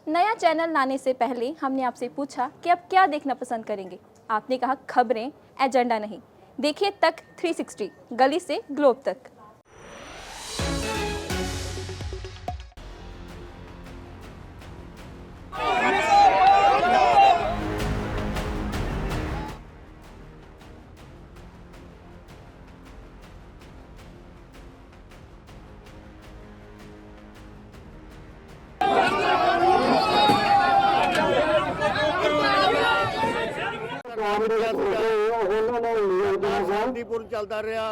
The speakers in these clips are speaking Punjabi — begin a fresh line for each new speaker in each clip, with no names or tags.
नया चैनल लाने से पहले हमने आपसे पूछा कि आप क्या देखना पसंद करेंगे। आपने कहा खबरें, एजेंडा नहीं। देखिए तक 360, गली से ग्लोब तक।
चलता रहा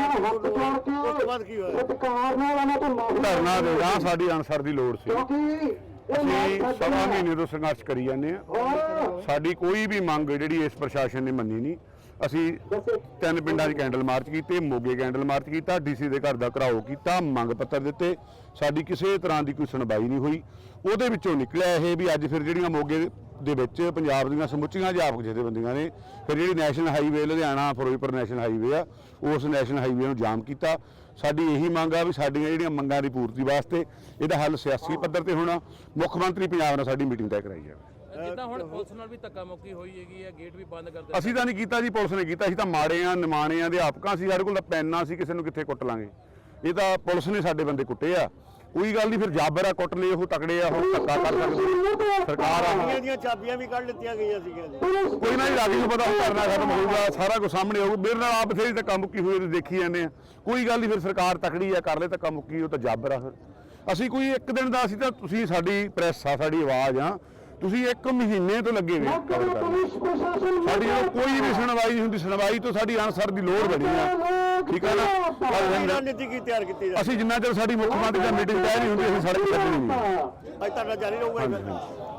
धरना देना साडी अनसर दी लोड़ सी ਅਸੀਂ ਸਵਾ ਮਹੀਨੇ ਤੋਂ ਸੰਘਰਸ਼ ਕਰੀ ਜਾਂਦੇ ਆ। ਸਾਡੀ ਕੋਈ ਵੀ ਮੰਗ ਜਿਹੜੀ ਇਸ ਪ੍ਰਸ਼ਾਸਨ ਨੇ ਮੰਨੀ ਨਹੀਂ। ਅਸੀਂ 3 ਪਿੰਡਾਂ 'ਚ ਕੈਂਡਲ ਮਾਰਚ ਕੀਤੇ, ਮੋਗੇ ਕੈਂਡਲ ਮਾਰਚ ਕੀਤਾ, ਡੀਸੀ ਦੇ ਘਰ ਦਾ ਘਰਾਓ ਕੀਤਾ, ਮੰਗ ਪੱਤਰ ਦਿੱਤੇ, ਸਾਡੀ ਕਿਸੇ ਤਰ੍ਹਾਂ ਦੀ ਕੋਈ ਸੁਣਵਾਈ ਨਹੀਂ ਹੋਈ। ਉਹਦੇ ਵਿੱਚੋਂ ਨਿਕਲਿਆ ਇਹ ਵੀ ਅੱਜ ਫਿਰ ਜਿਹੜੀਆਂ ਮੋਗੇ ਦੇ ਵਿੱਚ ਪੰਜਾਬ ਦੀਆਂ ਸਮੁੱਚੀਆਂ ਅਧਿਆਪਕ ਜਥੇਬੰਦੀਆਂ ਨੇ ਫਿਰ ਜਿਹੜੀ national highway Ludhiana Firozpur national highway ਆ ਉਸ ਨੈਸ਼ਨਲ ਹਾਈਵੇ ਨੂੰ ਜਾਮ ਕੀਤਾ। ਸਾਡੀ ਇਹੀ ਮੰਗ ਆ ਵੀ ਸਾਡੀਆਂ ਜਿਹੜੀਆਂ ਮੰਗਾਂ ਦੀ ਪੂਰਤੀ ਵਾਸਤੇ ਇਹਦਾ ਹੱਲ ਸਿਆਸੀ ਪੱਧਰ ਤੇ ਹੋਣਾ। ਮੁੱਖ ਮੰਤਰੀ ਪੰਜਾਬ ਨਾਲ ਸਾਡੀ ਮੀਟਿੰਗ ਤੈਅ ਕਰਾਈ ਜਾਵੇ।
ਜਿੱਦਾਂ ਹੁਣ ਪੁਲਿਸ ਨਾਲ ਵੀ ਧੱਕਾ ਮੁੱਕੀ ਹੋਈ ਹੈਗੀ ਹੈ, ਗੇਟ ਵੀ ਬੰਦ ਕਰ ਦਿੱਤੇ।
ਅਸੀਂ ਤਾਂ ਨਹੀਂ ਕੀਤਾ ਜੀ, ਪੁਲਿਸ ਨੇ ਕੀਤਾ। ਅਸੀਂ ਤਾਂ ਮਾੜੇ ਆ, ਨਿਮਾਣੇ ਆ, ਅਧਿਆਪਕਾਂ ਸੀ, ਸਾਡੇ ਕੋਲ ਤਾਂ ਪੈਨਾਂ ਸੀ, ਕਿਸੇ ਨੂੰ ਕਿੱਥੇ ਕੁੱਟ ਲਾਂਗੇ। ਇਹ ਤਾਂ ਪੁਲਿਸ ਨੇ ਸਾਡੇ ਬੰਦੇ ਕੁੱਟੇ ਆ। ਕੋਈ ਗੱਲ ਨਹੀਂ, ਫਿਰ ਜਾਬਰ ਆ, ਕੁੱਟ ਲਏ, ਉਹ ਤਕੜੇ ਆ, ਹੁਣ ਧੱਕਾ ਕਰ ਸਕਦੇ ਸਰਕਾਰ ਆ।
ਦੀਆਂ ਚਾਬੀਆਂ ਵੀ ਕੱਢ ਲਿੱਤੀਆਂ ਗਈਆਂ ਸੀਗੀਆਂ।
ਕੋਈ ਨਾ ਜੀ, ਰਾਜੀ ਨੂੰ ਪਤਾ ਕਰਨਾ ਖਤਮ ਹੋਊਗਾ, ਸਾਰਾ ਕੁਝ ਸਾਹਮਣੇ ਆਊਗਾ। ਮੇਰੇ ਨਾਲ ਆਪ ਬਥੇਰੀ ਧੱਕਾ ਮੁੱਕੀ ਹੋਈ ਦੇਖੀ ਜਾਂਦੇ ਆ। ਕੋਈ ਗੱਲ ਨਹੀਂ, ਫਿਰ ਸਰਕਾਰ ਤਕੜੀ ਆ, ਕਰ ਲੈ ਧੱਕਾ ਮੁੱਕੀ, ਉਹ ਤਾਂ ਜਾਬਰ ਆ। ਫਿਰ ਅਸੀਂ ਕੋਈ ਇੱਕ ਦਿਨ ਦਾ, ਅਸੀਂ ਤਾਂ ਤੁਸੀਂ ਸਾਡੀ ਪ੍ਰੈਸ ਆ, ਸਾਡੀ ਆਵਾਜ਼ ਆ, ਤੁਸੀਂ 1 ਮਹੀਨੇ ਤੋਂ ਲੱਗੇ ਹੋਏ ਸਾਡੀ ਕੋਈ ਵੀ ਸੁਣਵਾਈ ਨਹੀਂ ਹੁੰਦੀ। ਸੁਣਵਾਈ ਤੋਂ ਸਾਡੀ ਅਨਸਰ ਦੀ ਲੋੜ ਬਣੀ ਆ, ਠੀਕ ਹੈ ਨਾ।
ਨੀਤੀ ਕੀ ਤਿਆਰ ਕੀਤੀ ਜਾਵੇ?
ਅਸੀਂ ਜਿੰਨਾ ਚਿਰ ਸਾਡੀ ਮੁੱਖ ਮੰਤਰੀ ਦੀ ਮੀਟਿੰਗ ਤੈਅ ਨਹੀਂ ਹੁੰਦੀ ਅਸੀਂ ਸੜਕ ਤੇ ਨਹੀਂ।
ਅੱਜ ਤੁਹਾਡਾ ਜਾਰੀ ਰਹੂਗਾ।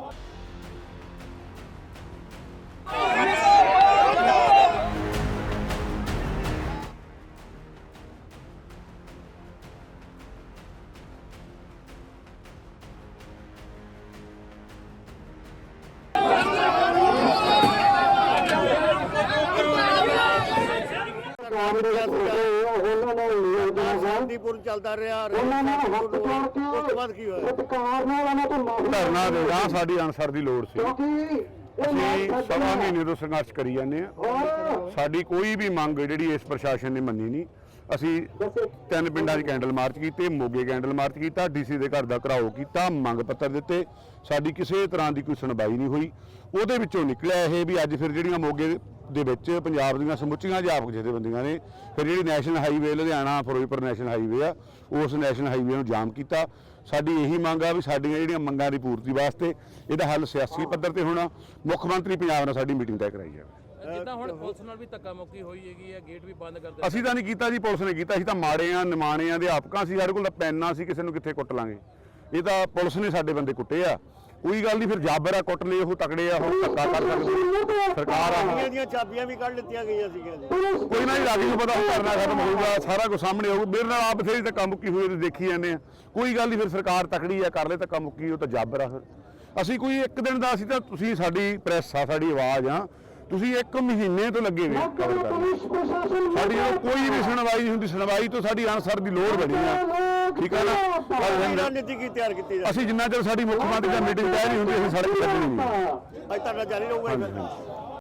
ਚੱਲਦਾ ਰਿਹਾ ਉਸ ਤੋਂ ਬਾਅਦ ਕੀ ਹੋਇਆ?
ਧਰਨਾ ਦੇਣਾ ਸਾਡੀ ਅਨਸਰ ਦੀ ਲੋੜ ਸੀ। ਅਸੀਂ ਸਵਾ ਮਹੀਨੇ ਤੋਂ ਸੰਘਰਸ਼ ਕਰੀ ਜਾਂਦੇ ਆ। ਸਾਡੀ ਕੋਈ ਵੀ ਮੰਗ ਜਿਹੜੀ ਇਸ ਪ੍ਰਸ਼ਾਸਨ ਨੇ ਮੰਨੀ ਨਹੀਂ। ਅਸੀਂ 3 ਪਿੰਡਾਂ 'ਚ ਕੈਂਡਲ ਮਾਰਚ ਕੀਤੇ, ਮੋਗੇ ਕੈਂਡਲ ਮਾਰਚ ਕੀਤਾ, ਡੀਸੀ ਦੇ ਘਰ ਦਾ ਘਰਾਓ ਕੀਤਾ, ਮੰਗ ਪੱਤਰ ਦਿੱਤੇ, ਸਾਡੀ ਕਿਸੇ ਤਰ੍ਹਾਂ ਦੀ ਕੋਈ ਸੁਣਵਾਈ ਨਹੀਂ ਹੋਈ। ਉਹਦੇ ਵਿੱਚੋਂ ਨਿਕਲਿਆ ਇਹ ਵੀ ਅੱਜ ਫਿਰ ਜਿਹੜੀਆਂ ਮੋਗੇ ਦੇ ਵਿੱਚ ਪੰਜਾਬ ਦੀਆਂ ਸਮੁੱਚੀਆਂ ਅਧਿਆਪਕ ਜਥੇਬੰਦੀਆਂ ਨੇ ਫਿਰ ਜਿਹੜੀ national highway Ludhiana Firozpur national highway ਆ ਉਸ ਨੈਸ਼ਨਲ ਹਾਈਵੇ ਨੂੰ ਜਾਮ ਕੀਤਾ। ਸਾਡੀ ਇਹੀ ਮੰਗ ਆ ਵੀ ਸਾਡੀਆਂ ਜਿਹੜੀਆਂ ਮੰਗਾਂ ਦੀ ਪੂਰਤੀ ਵਾਸਤੇ ਇਹਦਾ ਹੱਲ ਸਿਆਸੀ ਪੱਧਰ ਤੇ ਹੋਣਾ। ਮੁੱਖ ਮੰਤਰੀ ਪੰਜਾਬ ਨਾਲ ਸਾਡੀ ਮੀਟਿੰਗ ਤੈਅ ਕਰਾਈ ਜਾਵੇ।
ਜਿੱਦਾਂ ਹੁਣ ਪੁਲਿਸ ਨਾਲ ਵੀ ਧੱਕਾ ਮੁੱਕੀ ਹੋਈ ਹੈਗੀ ਹੈ, ਗੇਟ ਵੀ ਬੰਦ ਕਰ ਦਿੱਤੇ।
ਅਸੀਂ ਤਾਂ ਨਹੀਂ ਕੀਤਾ ਜੀ, ਪੁਲਿਸ ਨੇ ਕੀਤਾ। ਅਸੀਂ ਤਾਂ ਮਾੜੇ ਆ, ਨਿਮਾਣੇ ਆ, ਅਧਿਆਪਕਾਂ ਸੀ, ਸਾਡੇ ਕੋਲ ਤਾਂ ਪੈਨਾਂ ਸੀ, ਕਿਸੇ ਨੂੰ ਕਿੱਥੇ ਕੁੱਟ ਲਾਂਗੇ। ਇਹ ਤਾਂ ਪੁਲਿਸ ਨੇ ਸਾਡੇ ਬੰਦੇ ਕੁੱਟੇ ਆ। ਕੋਈ ਗੱਲ ਨਹੀਂ, ਫਿਰ ਜਾਬਰ ਆ, ਕੁੱਟ ਲਏ, ਉਹ ਤਕੜੇ ਆ, ਹੁਣ ਧੱਕਾ ਕਰ ਸਕਦੇ ਸਰਕਾਰ ਆ।
ਦੀਆਂ ਚਾਬੀਆਂ ਵੀ ਕੱਢ ਲਿੱਤੀਆਂ ਗਈਆਂ ਸੀਗੀਆਂ।
ਕੋਈ ਨਾ ਜੀ, ਰਾਜੀ ਨੂੰ ਪਤਾ ਕਰਨਾ ਖਤਮ ਹੋਊਗਾ, ਸਾਰਾ ਕੁਝ ਸਾਹਮਣੇ ਆਊਗਾ। ਮੇਰੇ ਨਾਲ ਆਪ ਬਥੇਰੀ ਧੱਕਾ ਮੁੱਕੀ ਹੋਈ ਦੇਖੀ ਜਾਂਦੇ ਆ। ਕੋਈ ਗੱਲ ਨਹੀਂ, ਫਿਰ ਸਰਕਾਰ ਤਕੜੀ ਆ, ਕਰ ਲੈ ਧੱਕਾ ਮੁੱਕੀ, ਉਹ ਤਾਂ ਜਾਬਰ ਆ। ਫਿਰ ਅਸੀਂ ਕੋਈ ਇੱਕ ਦਿਨ ਦਾ, ਅਸੀਂ ਤਾਂ ਤੁਸੀਂ ਸਾਡੀ ਪ੍ਰੈਸ ਆ, ਸਾਡੀ ਆਵਾਜ਼ ਆ, ਤੁਸੀਂ 1 ਮਹੀਨੇ ਤੋਂ ਲੱਗੇ ਹੋਏ ਸਾਡੀ ਕੋਈ ਵੀ ਸੁਣਵਾਈ ਨਹੀਂ ਹੁੰਦੀ। ਸੁਣਵਾਈ ਤੋਂ ਸਾਡੀ ਅਨਸਰ ਦੀ ਲੋੜ ਬਣੀ ਆ, ਠੀਕ ਹੈ ਨਾ।
ਨੀਤੀ ਕੀ ਤਿਆਰ ਕੀਤੀ ਜਾਵੇ?
ਅਸੀਂ ਜਿੰਨਾ ਚਿਰ ਸਾਡੀ ਮੁੱਖ ਮੰਤਰੀ ਦੀ ਮੀਟਿੰਗ ਤੈਅ ਨਹੀਂ ਹੁੰਦੀ ਅਸੀਂ ਸੜਕ ਤੇ ਨਹੀਂ।
ਅੱਜ ਤੁਹਾਡਾ ਜਾਰੀ ਰਹੂਗਾ।